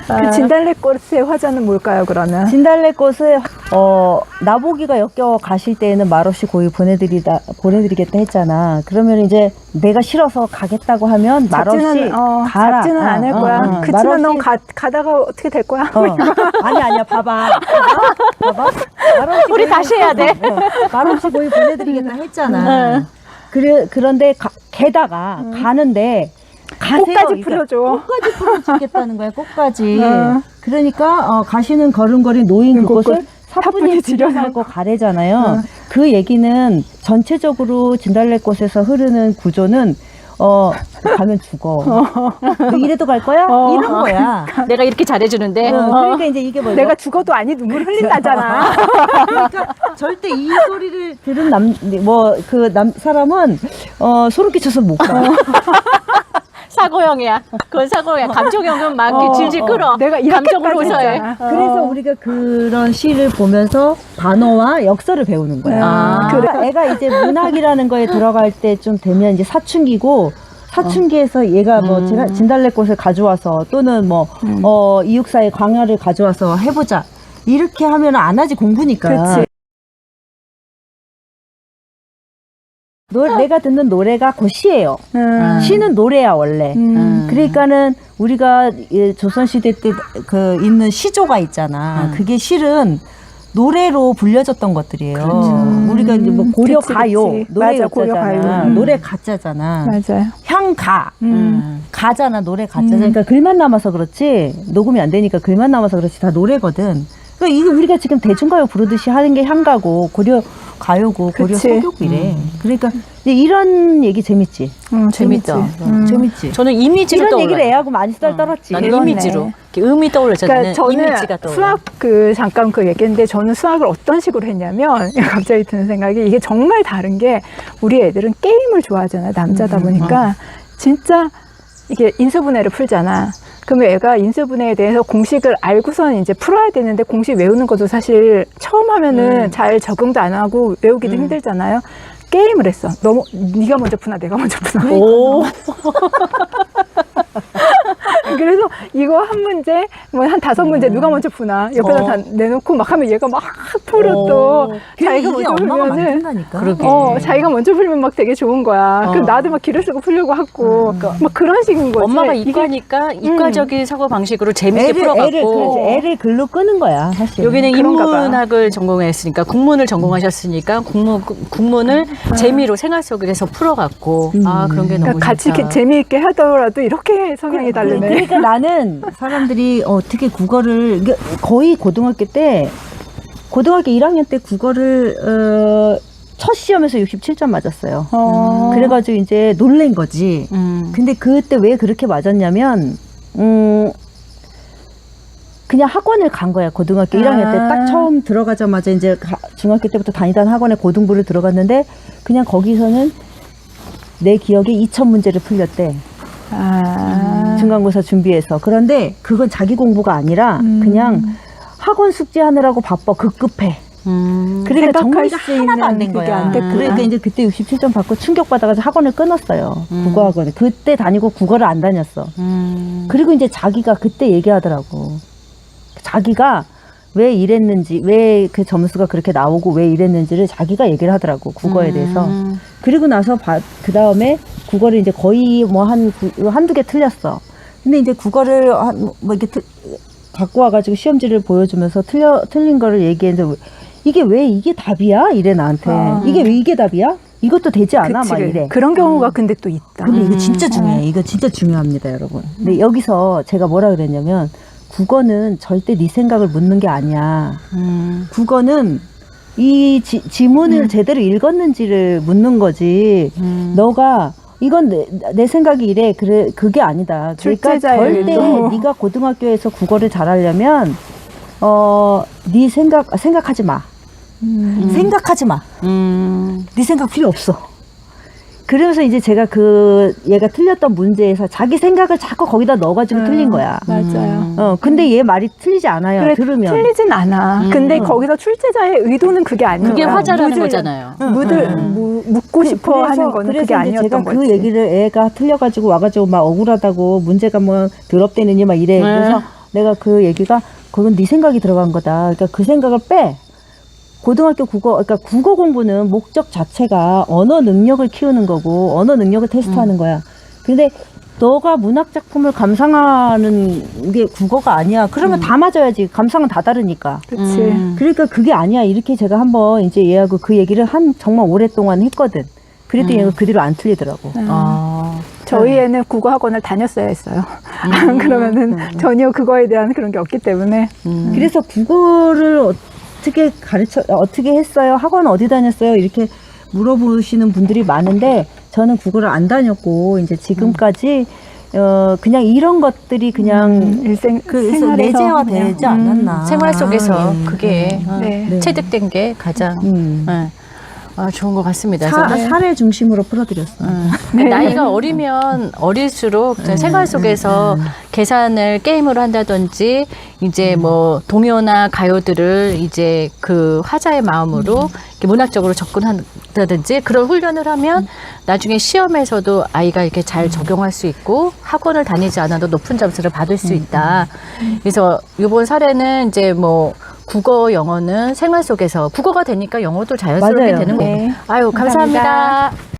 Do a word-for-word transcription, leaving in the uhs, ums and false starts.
그 진달래꽃의 화자는 뭘까요, 그러면? 진달래꽃을 어 나보기가 역겨워 가실 때에는 말없이 고이 보내드리다 보내드리겠다 했잖아. 그러면 이제 내가 싫어서 가겠다고 하면 말없이 잡지는, 어, 가라. 잡지는 안 할 거야. 어, 어, 그치만 말없이- 넌 가, 가다가 어떻게 될 거야? 어. 아니 아니야 봐봐 봐봐 말없이 우리 고이- 다시 해야 돼. 어, 말없이 고이 보내드리겠다 했잖아. 그래 그런데 가, 게다가 가는데 가세요. 꽃까지 그러니까 풀어줘. 꽃까지 풀어주겠다는 거야. 꽃까지. 어. 그러니까 어, 가시는 걸음걸이 놓인 그 그곳을 꽃- 사뿐히 사뿐히 들여살고 가래잖아요. 어. 그 얘기는 전체적으로 진달래꽃에서 흐르는 구조는 어 가면 죽어. 너 이래도 갈 거야? 어. 이런 거야. 내가 이렇게 잘해주는데. 어, 그러니까 이제 이게 뭐야? 내가 죽어도 아니 눈물 흘린다잖아. 그러니까 절대 이 소리를 들은 남 뭐 그 남 사람은 어 소름 끼쳐서 못 가. 사고형이야. 그건 사고형이야. 감정형은 막 어, 질질 끌어. 내가 감정으로 이렇게까지 웃어야 해. 했잖아. 그래서 우리가 그런 시를 보면서 단어와 역사를 배우는 거야. 아. 그래. 애가 이제 문학이라는 거에 들어갈 때 좀 되면 이제 사춘기고 사춘기에서 얘가 뭐 음. 진- 진달래꽃을 가져와서 또는 뭐 어, 이육사의 광야를 가져와서 해보자 이렇게 하면 안 하지 공부니까. 그렇지. 노, 내가 듣는 노래가 그 시예요. 음. 시는 노래야 원래. 음. 그러니까는 우리가 이 조선시대 때 그 있는 시조가 있잖아. 음. 그게 실은 노래로 불려졌던 것들이에요. 그렇죠. 우리가 이제 뭐 고려 그치, 가요, 그치. 노래 맞아, 고려 가잖아. 가요. 음. 노래 가짜잖아. 맞아요. 향가. 음. 가잖아, 노래 가짜잖아. 음. 그러니까 글만 남아서 그렇지, 녹음이 안 되니까 글만 남아서 그렇지, 다 노래거든. 그러니까 이게 우리가 지금 대중가요 부르듯이 하는 게 향가고, 고려 가요고, 고려 그치. 서교고 이래. 그러니까 이제 이런 얘기 재밌지? 음, 재밌다. 재밌지. 음. 재밌지? 저는 이미지로 이런 떠올라요. 얘기를 애하고 많이 썰 떨었지. 나는 그러네. 이미지로. 이렇게 음이 떠올랐잖아요. 그러니까 저는 이미지가 떠올라. 수학 그 잠깐 그 얘기했는데 저는 수학을 어떤 식으로 했냐면 갑자기 드는 생각이 이게 정말 다른 게 우리 애들은 게임을 좋아하잖아요. 남자다 음, 보니까 진짜 이게 인수분해를 풀잖아. 그러면 애가 인수분해에 대해서 공식을 알고선 이제 풀어야 되는데 공식 외우는 것도 사실 처음 하면은 음. 잘 적응도 안 하고 외우기도 음. 힘들잖아요. 게임을 했어. 너무 네가 먼저 푸나 내가 먼저 푸나. 오. 그래서 이거 한 문제, 뭐 한 다섯 문제 누가 먼저 푸나 옆에다 어. 다 내놓고 막 하면 얘가 막 풀어 또 그게 자기가 이게 먼저 엄마가 풀면은 만든다니까. 그러게. 어 자기가 먼저 풀면 막 되게 좋은 거야. 어. 그럼 나도 막 기를 쓰고 풀려고 하고 막 그런 식인 거지. 엄마가 이게 이과니까 이과적인 사고 방식으로 재밌게 애를, 풀어갖고. 애를, 그렇지. 애를 글로 끄는 거야, 사실. 여기는 그런가 봐. 인문학을 전공했으니까 국문을 전공하셨으니까 국문 국문을 재미로 생활 속에서 풀어갖고 음. 아 그런 게 너무 그러니까 같이 좋다. 이렇게 재미있게 하더라도 이렇게 성향이 다르네. 그러니까 나는 사람들이 어떻게 국어를 이게 거의 고등학교 때 고등학교 일 학년 때 국어를 어, 첫 시험에서 육십칠 점 맞았어요. 어. 그래가지고 이제 놀란 거지. 음. 근데 그때 왜 그렇게 맞았냐면 음 그냥 학원을 간 거야. 고등학교 일 학년 때 아. 딱 처음 들어가자마자 이제 가- 중학교 때부터 다니던 학원에 고등부를 들어갔는데 그냥 거기서는 내 기억에 이천 문제를 풀렸대. 아. 중간고사 준비해서. 그런데 그건 자기 공부가 아니라 음. 그냥 학원 숙제하느라고 바빠. 급급해. 음. 그러니까 생각할 정리가 수 하나도 안 있는 된 그게 거야. 안 됐구나. 그러니까 이제 그때 육십칠 점 받고 충격받아가지고 학원을 끊었어요. 음. 국어학원을. 그때 다니고 국어를 안 다녔어. 음. 그리고 이제 자기가 그때 얘기하더라고. 자기가 왜 이랬는지, 왜 그 점수가 그렇게 나오고 왜 이랬는지를 자기가 얘기를 하더라고. 국어에 대해서. 음. 그리고 나서 그 다음에 국어를 이제 거의 뭐 한, 한두 개 틀렸어. 근데 이제 국어를 한, 뭐 이렇게 틀, 갖고 와가지고 시험지를 보여주면서 틀려, 틀린 거를 얘기했는데 이게 왜 이게 답이야? 이래 나한테. 아. 이게 왜 이게 답이야? 이것도 되지 않아? 그치, 막 이래. 그런 경우가 근데 또 있다. 근데 이거 음. 진짜 중요해. 이거 진짜 중요합니다, 여러분. 근데 여기서 제가 뭐라 그랬냐면 국어는 절대 네 생각을 묻는 게 아니야. 음. 국어는 이 지, 지문을 음. 제대로 읽었는지를 묻는 거지. 음. 너가 이건 내, 내 생각이 이래. 그래 그게 아니다. 그러니까 출제자의 절대 의도. 네가 고등학교에서 국어를 잘하려면 어, 네 생각 생각하지 마. 음. 생각하지 마. 음. 네 생각 필요 없어. 그러면서 이제 제가 그 얘가 틀렸던 문제에서 자기 생각을 자꾸 거기다 넣어가지고 음. 틀린 거야. 맞아요. 어, 근데 얘 말이 틀리지 않아요. 그래, 들으면. 틀리진 않아. 음. 근데 거기서 출제자의 의도는 그게 아니야. 그게 화자라는 묻을- 거잖아요. 묻을, 음. 무, 묻고 싶어 그래서- 하는 거는 그래서 그게 이제 아니었던 제가 거지. 그 얘기를 애가 틀려가지고 와가지고 막 억울하다고 문제가 뭐 더럽대느니 막 이래. 네. 그래서 내가 그 얘기가 그건 네 생각이 들어간 거다. 그러니까 그 생각을 빼. 고등학교 국어, 그러니까 국어 공부는 목적 자체가 언어 능력을 키우는 거고 언어 능력을 테스트하는 음. 거야. 근데 너가 문학 작품을 감상하는 게 국어가 아니야. 그러면 음. 다 맞아야지. 감상은 다 다르니까. 그치. 음. 그러니까 그게 아니야. 이렇게 제가 한번 이제 얘하고 그 얘기를 한 정말 오랫동안 했거든. 그랬더니 음. 얘가 그 뒤로 안 틀리더라고. 음. 아. 저희 애는 국어 학원을 다녔어야 했어요. 음. 그러면은 전혀 그거에 대한 그런 게 없기 때문에. 음. 그래서 국어를 어떻게 가르쳐, 어떻게 했어요? 학원 어디 다녔어요? 이렇게 물어보시는 분들이 많은데 저는 국어를 안 다녔고 이제 지금까지 어 그냥 이런 것들이 그냥 음, 일생 그 생활에서 내재화 그냥, 되지 음, 않았나. 생활 속에서 음, 그게 음. 어, 네. 네. 체득된 게 가장 음. 네. 아, 좋은 것 같습니다. 사, 저는. 사례 중심으로 풀어드렸어요. 음. 네. 나이가 어리면 어릴수록 음, 생활 속에서 계산을 게임으로 한다든지 이제 뭐 동요나 가요들을 이제 그 화자의 마음으로 이렇게 문학적으로 접근한다든지 그런 훈련을 하면 나중에 시험에서도 아이가 이렇게 잘 적용할 수 있고 학원을 다니지 않아도 높은 점수를 받을 수 있다. 그래서 이번 사례는 이제 뭐 국어, 영어는 생활 속에서 국어가 되니까 영어도 자연스럽게 맞아요. 되는 거고. 네. 아유, 감사합니다. 감사합니다.